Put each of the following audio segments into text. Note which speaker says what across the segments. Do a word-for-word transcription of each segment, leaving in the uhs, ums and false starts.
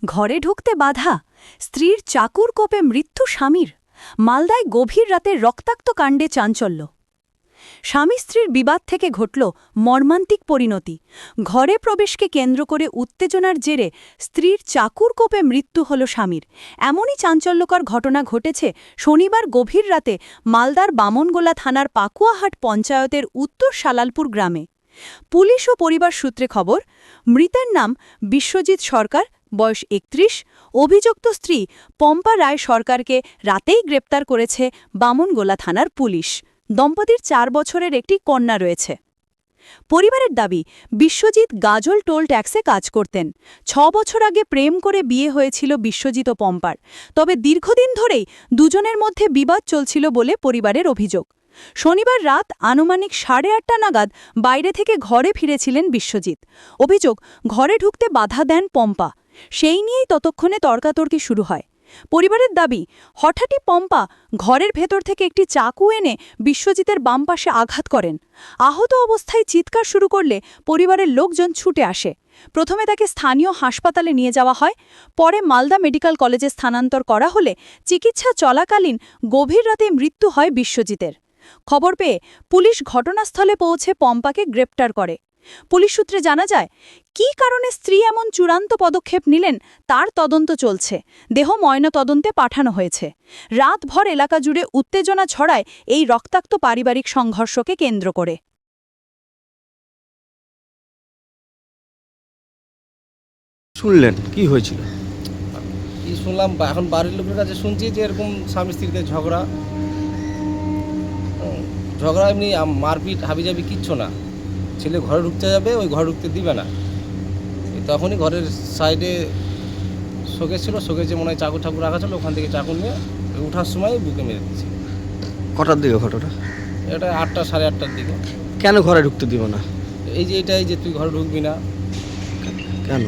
Speaker 1: ঘরে ঢুকতে বাধা, স্ত্রীর চাকুর কোপে মৃত্যু স্বামীর, মালদায় গভীর রাতে রক্তাক্ত কাণ্ডে চাঞ্চল্য। স্বামী স্ত্রীর বিবাদ থেকে ঘটল মর্মান্তিক পরিণতি। ঘরে প্রবেশকে কেন্দ্র করে উত্তেজনার জেরে স্ত্রীর চাকুর কোপে মৃত্যু হল স্বামীর। এমনই চাঞ্চল্যকর ঘটনা ঘটেছে শনিবার গভীর রাতে মালদার বামনগোলা থানার পাকুয়াহাট পঞ্চায়েতের উত্তর শালালপুর গ্রামে। পুলিশ ও পরিবার সূত্রে খবর, মৃতের নাম বিশ্বজিৎ সরকার, বয়স একত্রিশ। অভিযুক্ত স্ত্রী পম্পা রায় সরকারকে রাতেই গ্রেপ্তার করেছে বামনগোলা থানার পুলিশ। দম্পতির চার বছরের একটি কন্যা রয়েছে। পরিবারের দাবি, বিশ্বজিৎ গাজল টোল ট্যাক্সে কাজ করতেন। ছ বছর আগে প্রেম করে বিয়ে হয়েছিল বিশ্বজিৎ ও পম্পার। তবে দীর্ঘদিন ধরেই দুজনের মধ্যে বিবাদ চলছিল বলে পরিবারের অভিযোগ। শনিবার রাত আনুমানিক সাড়ে আটটা নাগাদ বাইরে থেকে ঘরে ফিরেছিলেন বিশ্বজিৎ। অভিযোগ, ঘরে ঢুকতে বাধা দেন পম্পা। সেই নিয়েই ততক্ষণে তর্কাতর্কি শুরু হয়। পরিবারের দাবি, হঠাৎই পম্পা ঘরের ভেতর থেকে একটি চাকু এনে বিশ্বজিতের বাম পাশে আঘাত করেন। আহত অবস্থায় চিৎকার শুরু করলে পরিবারের লোকজন ছুটে আসে। প্রথমে তাকে স্থানীয় হাসপাতালে নিয়ে যাওয়া হয়, পরে মালদা মেডিকেল কলেজে স্থানান্তর করা হলে চিকিৎসা চলাকালীন গভীর রাতে মৃত্যু হয় বিশ্বজিতের। খবর পেয়ে পুলিশ ঘটনাস্থলে পৌঁছে পম্পাকে গ্রেপ্তার করে। পুলিশ সূত্রে জানা যায়, কী কারণে স্ত্রী এমন চূড়ান্ত পদক্ষেপ নিলেন তার তদন্ত চলছে। দেহ ময়নাতদন্তে পাঠানো হয়েছে। রাতভর এলাকা জুড়ে উত্তেজনা ছড়ায় এই রক্তাক্ত পারিবারিক সংঘর্ষকে কেন্দ্র করে।
Speaker 2: শুনলেন কি হয়েছিল?
Speaker 3: কি শুনলাম, এখন বাড়ির লোকের কাছে শুনছি যে এরকম স্বামী স্ত্রীতে ঝগড়া ঝগড়া এমনি মারপিট হাবিজাবি কিচ্ছু না। ছেলে ঘরে ঢুকতে যাবে, ওই ঘরে ঢুকতে দিবে না। তখনই ঘরের সাইডে শোকেস ছিল, শোকেসে মনে হয় চাকু ঠাকুর রাখা ছিল, ওখান থেকে চাকু নিয়ে ওঠার সময় বুকে মেরে দিচ্ছে।
Speaker 2: কটার দিকে ঘটনা?
Speaker 3: এটা আটটা সাড়ে আটটার দিকে।
Speaker 2: কেন ঘরে ঢুকতে দিব না?
Speaker 3: এই যে এটাই যে তুই ঘরে ঢুকবি না
Speaker 2: কেন?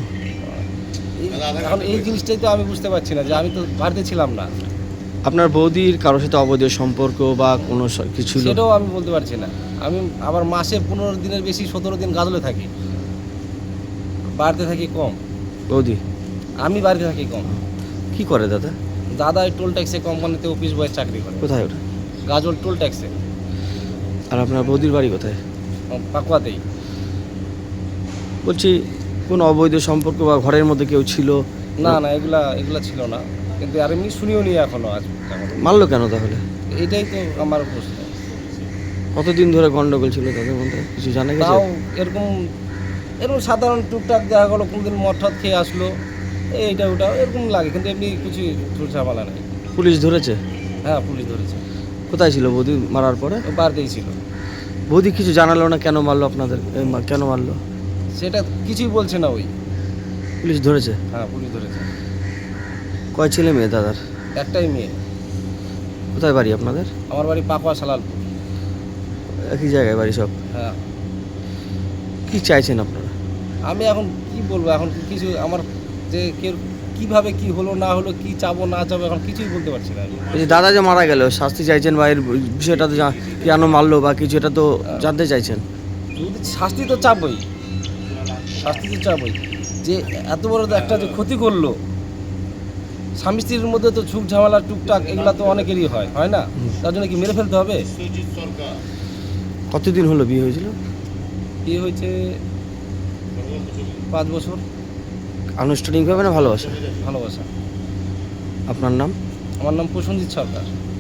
Speaker 3: এখন এই জিনিসটাই তো আমি বুঝতে পারছি না, যে আমি তো বাড়িতে ছিলাম না।
Speaker 2: আপনার বৌদির কারোর সাথে অবৈধ সম্পর্ক বা কোনো কিছু?
Speaker 3: সেটাও আমি বলতে পারছি না। আমি আবার মাসে পনেরো দিনের বেশি সতেরো দিন গাজলে থাকি, বাড়িতে থাকি কম।
Speaker 2: বৌদি?
Speaker 3: আমি বাড়িতে থাকি কম।
Speaker 2: কি করে দাদা?
Speaker 3: দাদা এই টোল ট্যাক্সে কোম্পানিতে অফিস বয়ের চাকরি করে।
Speaker 2: কোথায় ওটা?
Speaker 3: গাজল টোল ট্যাক্সে।
Speaker 2: আর আপনার বৌদির বাড়ি কোথায়?
Speaker 3: পাকুয়াতেই।
Speaker 2: বলছি, কোন অবৈধ সম্পর্ক বা ঘরের মধ্যে কেউ ছিল?
Speaker 3: না না, এগুলা এগুলা ছিল না, কিন্তু আর এমনি শুনিও নি এখনো। আজ
Speaker 2: মারলো কেন তাহলে?
Speaker 3: এটাই তো আমার প্রশ্ন।
Speaker 2: কতদিন ধরে গন্ডগোল ছিল তাদের মধ্যে, কিছু জানা গেছে?
Speaker 3: তাও এরকম এরকম সাধারণ টুকটাক দেখা গেলো, কোনোদিন মদ টদ খেয়ে আসলো, এইটা ওটা এরকম লাগে, কিন্তু এমনি কিছু ঝামেলা নেই।
Speaker 2: পুলিশ ধরেছে?
Speaker 3: হ্যাঁ, পুলিশ ধরেছে।
Speaker 2: কোথায় ছিল বৌদি মারার পরে?
Speaker 3: বাড়িতেই ছিল।
Speaker 2: বৌদি কিছু জানালো না কেন মারলো আপনাদের? কেন মারলো
Speaker 3: সেটা কিছুই বলছে না। ওই
Speaker 2: পুলিশ ধরেছে?
Speaker 3: হ্যাঁ, পুলিশ ধরেছে।
Speaker 2: কয় ছেলে মেয়ে দাদার?
Speaker 3: একটাই মেয়ে।
Speaker 2: কোথায় বাড়ি আপনাদের?
Speaker 3: আমার বাড়ি পাকুয়া শালালপুর।
Speaker 2: একই জায়গায় বাড়ি সব?
Speaker 3: হ্যাঁ।
Speaker 2: কি চাইছেন আপনারা?
Speaker 3: আমি এখন কি বলবো, এখন কিছু আমার যে কেউ কীভাবে কি হলো না হলো, কি চাবো না চাবো, এখন কিছুই বলতে পারছি না।
Speaker 2: এই যে দাদা যে মারা গেল, শাস্তি চাইছেন বা এর বিষয়টা তো কেন মারলো বা কিছু, এটা তো জানতে চাইছেন?
Speaker 3: শাস্তি তো চাবই, শাস্তি তো চাবই। যে এত বড় একটা যে ক্ষতি করলো, স্বামী স্ত্রীর মধ্যে তো ঝুঁক ঝামেলা টুকটাক এগুলো তো অনেকেরই হয়, হয় না? তার জন্য কি মেরে ফেলতে হবে?
Speaker 2: কতদিন হলো বিয়ে হয়েছিল?
Speaker 3: বিয়ে হয়েছে পাঁচ বছর।
Speaker 2: আনুষ্ঠানিকভাবে না ভালোবাসা?
Speaker 3: ভালোবাসা।
Speaker 2: আপনার নাম?
Speaker 3: আমার নাম প্রসেনজিৎ সরকার।